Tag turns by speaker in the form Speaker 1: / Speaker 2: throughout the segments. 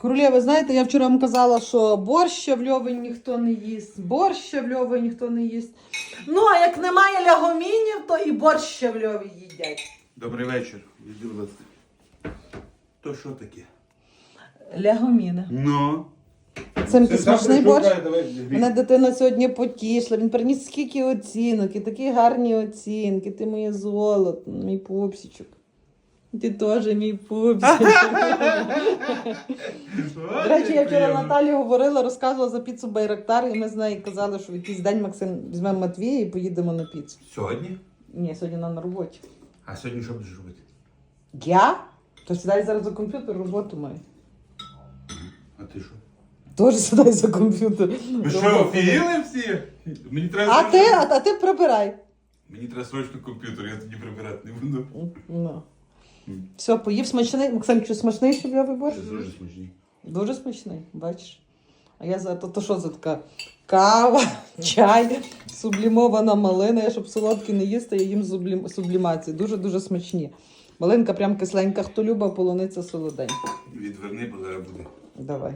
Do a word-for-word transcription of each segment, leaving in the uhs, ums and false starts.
Speaker 1: Королєва, знаєте, я вчора вам казала, що борща в Льові ніхто не їсть, борща в Льові ніхто не їсть. Ну, а як немає лягомінів, то і борща в Льові їдять.
Speaker 2: Добрий вечір. Іди, будь ласка. То що таке?
Speaker 1: Лягоміни.
Speaker 2: Ну.
Speaker 1: Це ти смачний борщ?
Speaker 2: Давай,
Speaker 1: Мене дитина сьогодні потішила, він приніс скільки оцінок, і такі гарні оцінки. Ти моє золото, мій пупсичок. Ти теж мій пупсичок. До речі, я вчора Наталі говорила, розказувала за піцу Байрактар, і ми з нею казали, що в якийсь день Максим візьмемо Матвія і поїдемо на піцу.
Speaker 2: Сьогодні?
Speaker 1: Ні, сьогодні нам на роботі.
Speaker 2: А сьогодні що будеш робити?
Speaker 1: Я? То сідай зараз за комп'ютер, роботу маю.
Speaker 2: А ти що?
Speaker 1: Теж сідай за комп'ютер.
Speaker 2: Ви що, офігіли всі? Мені треба
Speaker 1: А ти, а, а ти прибирай.
Speaker 2: Мені треба срочно комп'ютер, я тоді прибирати не буду.
Speaker 1: Ну. Все, поїв смачний. Максим, чи смачний собі борщ?
Speaker 2: Це дуже смачний.
Speaker 1: Дуже смачний, бачиш. А я за то, то що за така кава, чай, сублімована малина. Я щоб солодкі не їсти, я їм сублім... сублімації. Дуже-дуже смачні. Малинка прям кисленька, хто любить, а полуниця солоденька.
Speaker 2: Відверни, бо зараз буде.
Speaker 1: Давай.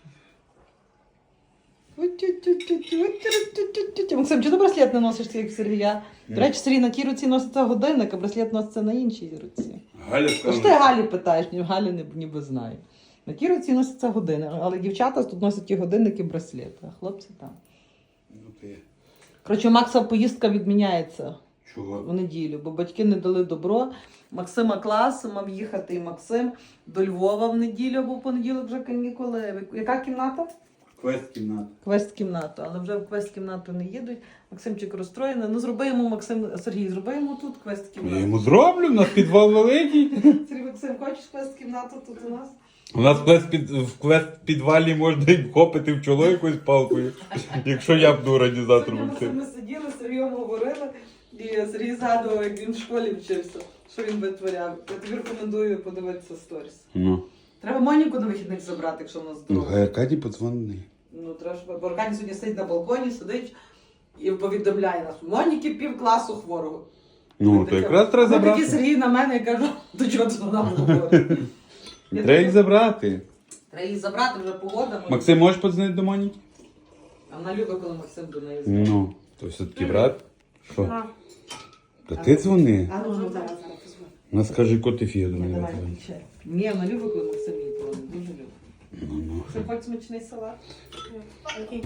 Speaker 1: Максим, чи ти браслет не носиш, як в Сергія? До речі, Сергій на тій руці носиться годинник, а браслет носиться на іншій руці.
Speaker 2: Галя
Speaker 1: Тож
Speaker 2: сказала.
Speaker 1: ти Галі питаєш, ні, Галі не, ніби знає. На тій руці носиться години, але дівчата тут носять і годинник, і браслет, а хлопці там.
Speaker 2: Ну ти.
Speaker 1: Коротше, у Макса поїздка відміняється
Speaker 2: Чого?
Speaker 1: в неділю, бо батьки не дали добро. Максима клас, мав їхати і Максим до Львова в неділю, бо в понеділок вже канікули. Яка кімната?
Speaker 2: Квест-кімната.
Speaker 1: Квест-кімнату, але вже в квест-кімнату не їдуть. Максимчик розстроєний. Ну, зроби йому, Максим, Сергій, зроби йому тут
Speaker 2: Я
Speaker 1: квест-кімнату.
Speaker 2: йому зроблю, у нас підвал великий.
Speaker 1: Сергій, Максим, хочеш квест-кімнату тут у нас?
Speaker 2: У нас в квест, під, в квест підвалі можна і вхопити в чоло якоюсь палкою, якщо я буду організатором.
Speaker 1: Сьогодні ми сиділи, з Сергієм говорили, і Сергій згадував, як він в школі вчився, що він витворяв. Я тобі рекомендую подивитися сторіс.
Speaker 2: Ну.
Speaker 1: Треба Моніку на вихідних забрати, якщо в нас
Speaker 2: Ну,
Speaker 1: вдома.
Speaker 2: хай Аркадій подзвонить.
Speaker 1: Ну, треба, щоб... Бо Аркадій сьогодні сидить на балконі, сидить і повідомляє нас. Моніки пів класу хворого.
Speaker 2: Ну,
Speaker 1: Ми
Speaker 2: то
Speaker 1: таке-
Speaker 2: якраз треба
Speaker 1: Ми такі
Speaker 2: забрати.
Speaker 1: Сергій на мене, я кажу, до чого ти нам говориш?
Speaker 2: Треба їх забрати.
Speaker 1: Треба її забрати, вже погода.
Speaker 2: Максим, можеш подзвонити до Моніки?
Speaker 1: А вона любить, коли Максим до неї дзвонить.
Speaker 2: Ну, то все-таки брат. Що? Та ти дзвони.
Speaker 1: А ну, ну, зараз, зараз позвоню.
Speaker 2: Вона скаже, коти фіє до
Speaker 1: Ні,
Speaker 2: мене.
Speaker 1: давай, включай. Ні, вона любить, коли Максим її дзвонить. Дуже любить.
Speaker 2: Ну, ну.
Speaker 1: Це хоч смачний салат.
Speaker 3: Окей.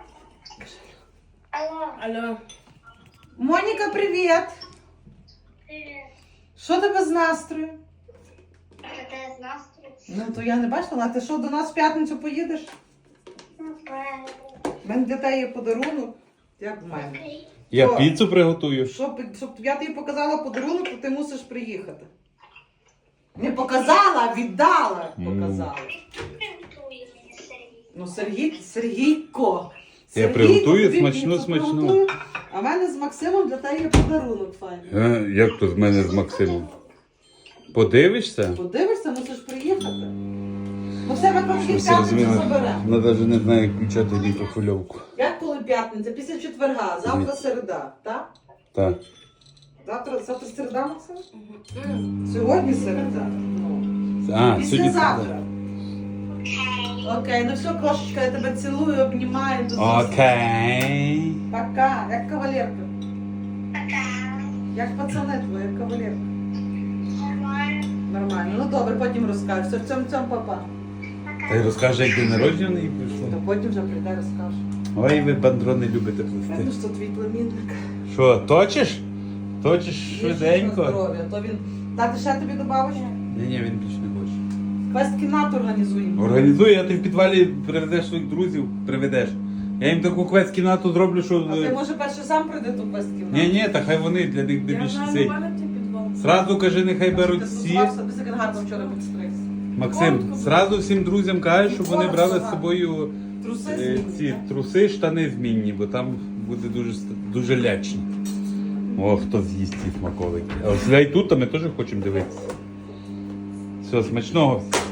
Speaker 3: Алло. Алло.
Speaker 1: Моніка, привіт!
Speaker 3: Привет.
Speaker 1: Що тебе з настрою?
Speaker 3: Это из настрою.
Speaker 1: Ну, то я не бачила, а ти що, до нас в п'ятницю поїдеш?
Speaker 3: Ну, правильно.
Speaker 1: У мене для тебе є подарунок. Як в мене?
Speaker 3: Окей.
Speaker 2: Я
Speaker 1: Що?
Speaker 2: піцу приготую.
Speaker 1: Щоб, щоб я тобі показала подарунок, то ти мусиш приїхати. Не показала, а віддала. Показала.
Speaker 3: Приготуй мені, Сергій.
Speaker 1: Ну, Сергій, Сергійко.
Speaker 2: Я
Speaker 1: Сергійко,
Speaker 2: приготую
Speaker 1: тобі
Speaker 2: смачну,
Speaker 1: піцу
Speaker 2: смачну.
Speaker 1: приготую. А в мене з Максимом для тебе є подарунок файний.
Speaker 2: Е, Як то з мене з Максимом? Подивишся?
Speaker 1: Подивишся, мусиш приїхати. Ну, в себе кожен
Speaker 2: Щось
Speaker 1: п'ятницю
Speaker 2: розуміла.
Speaker 1: забере.
Speaker 2: Вона навіть не знає, як включати мікрохвильовку.
Speaker 1: Як коли п'ятниця? Після четверга, завтра середа, так?
Speaker 2: Так.
Speaker 1: Завтра, завтра середа, Максим? Сьогодні середа. Ну.
Speaker 2: А, сьогодні.
Speaker 1: Післязавтра. Окей, ну все, кошечка, я тебе цілую, обнімаю. До зустрічі.
Speaker 2: Окей.
Speaker 1: Пока, як кавалерка.
Speaker 3: Пока.
Speaker 1: Як пацани твої, як кавалерка.
Speaker 3: Нормально.
Speaker 1: Нормально. Ну добре, потім розкажеш. Все, в цьому цьому папа.
Speaker 2: Та й розкаже, як день народження в неї
Speaker 1: То
Speaker 2: прийшло.
Speaker 1: потім вже прийде, розкаже.
Speaker 2: Ой, ви бандрони любите
Speaker 1: Видно,
Speaker 2: плести.
Speaker 1: що твій племінник.
Speaker 2: Що, точиш? Точиш
Speaker 1: Їжджу на
Speaker 2: швиденько?
Speaker 1: здоров'я. То він... Дати ще тобі добавиш?
Speaker 2: Ні, ні, він більше не хоче.
Speaker 1: Квест-кімнату організуємо.
Speaker 2: Організуй, а ти в підвалі приведеш своїх друзів, приведеш. Я їм таку квест-кімнату зроблю, що...
Speaker 1: А ти може перше сам прийди ту квест-кімнату?
Speaker 2: Ні, ні, та хай вони для них де
Speaker 3: Я
Speaker 2: більше
Speaker 3: знаю,
Speaker 2: цей.
Speaker 3: у мене ті підвал.
Speaker 2: Зразу кажи, нехай беруть
Speaker 1: Ти
Speaker 2: всі.
Speaker 1: тусувався, ти як гарно вчора підстригся.
Speaker 2: Максим, зразу всім друзям кажеш, щоб вони брали з собою
Speaker 1: Труси
Speaker 2: е,
Speaker 1: змінні,
Speaker 2: ці
Speaker 1: так?
Speaker 2: труси, штани змінні, бо там буде дуже дуже лячно. О, хто з'їсть ці смаколики. А ось ляй тут, а ми теж хочемо дивитися. Все, смачного.